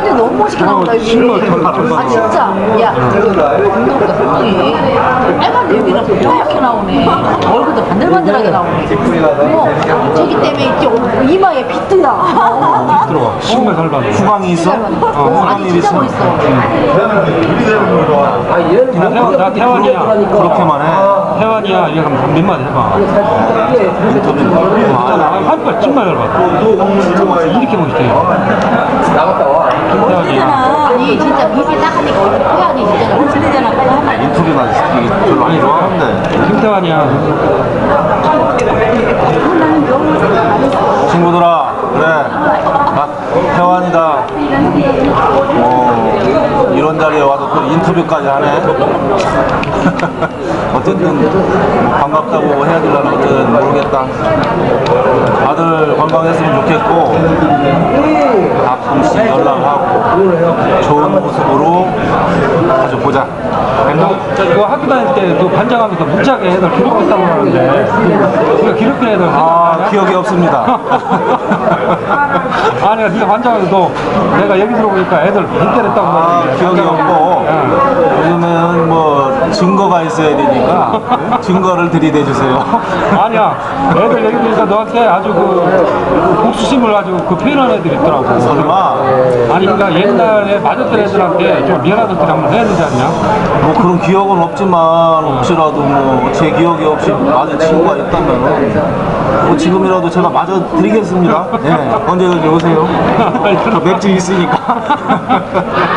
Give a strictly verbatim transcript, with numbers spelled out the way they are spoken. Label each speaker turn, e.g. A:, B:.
A: 할머니 너무 멋있게 나온다 여기. 아 진짜. 야, 운동가 성동이 빨간 여기가 뽀얗게 나오네. 얼굴도 반들반들하게 나오네. 어, 저기 때문에 있지. 어, 이마에 빗들어.
B: 들어와. 정말 잘 받아.
C: 후광이 있어?
A: 어, 아니 진짜 멋있어.
B: 나 태환, 나 태환이야.
C: 그렇게만 해.
B: 태환이야. 이거 한번 몇 마디 해봐. 있잖아. 한발 정말 잘 받아. 이렇게 멋있대.
D: 나갔다 와.
B: 태환이야.
A: 아니 진짜 빛이 딱 하니까 얼굴 뽀얗게 진짜 멋있잖아. 빨리 한 번.
C: 인터뷰나 이게 별로 안 좋아하는데.
B: 김태환이야.
C: 친구들아, 그래. 나 태환이다. 어, 이런 자리에 와서 또 인터뷰까지 하네. 어쨌든 뭐 반갑다고 해야 되려나 어쨌든 모르겠다. 다들 건강했으면 좋겠고 가끔씩 연락하고 좋은 모습으로 자주 보자.
B: 너, 그 학교 다닐 때 그 반장하면서 무지하게 애들 기록했다고 하는데 네가 기록한 애들
C: 아,
B: 생각나냐?
C: 기억이 없습니다.
B: 아니야, 네가 반장하면서 내가 얘기 들어보니까 애들 못 때렸다고
C: 아,
B: 하는데
C: 기억이 없고 요즘은 뭐 증거가 있어야 되니까 증거를 들이대주세요.
B: 아니야, 애들 얘기 들으니까 너한테 아주 그 복수심을 아주 그 표현한 애들이 있더라고.
C: 설마
B: 아니, 그러니까 옛날에 맞았던 애들한테 좀 미안하던 소리 한번 해야 되지 않냐?
C: 뭐 그런 기억은 없지만 혹시라도 뭐 제 기억이 없이 맞은 친구가 있다면 뭐 지금이라도 제가 맞아 드리겠습니다. 예, 언제든지 오세요. 저 맥주 있으니까.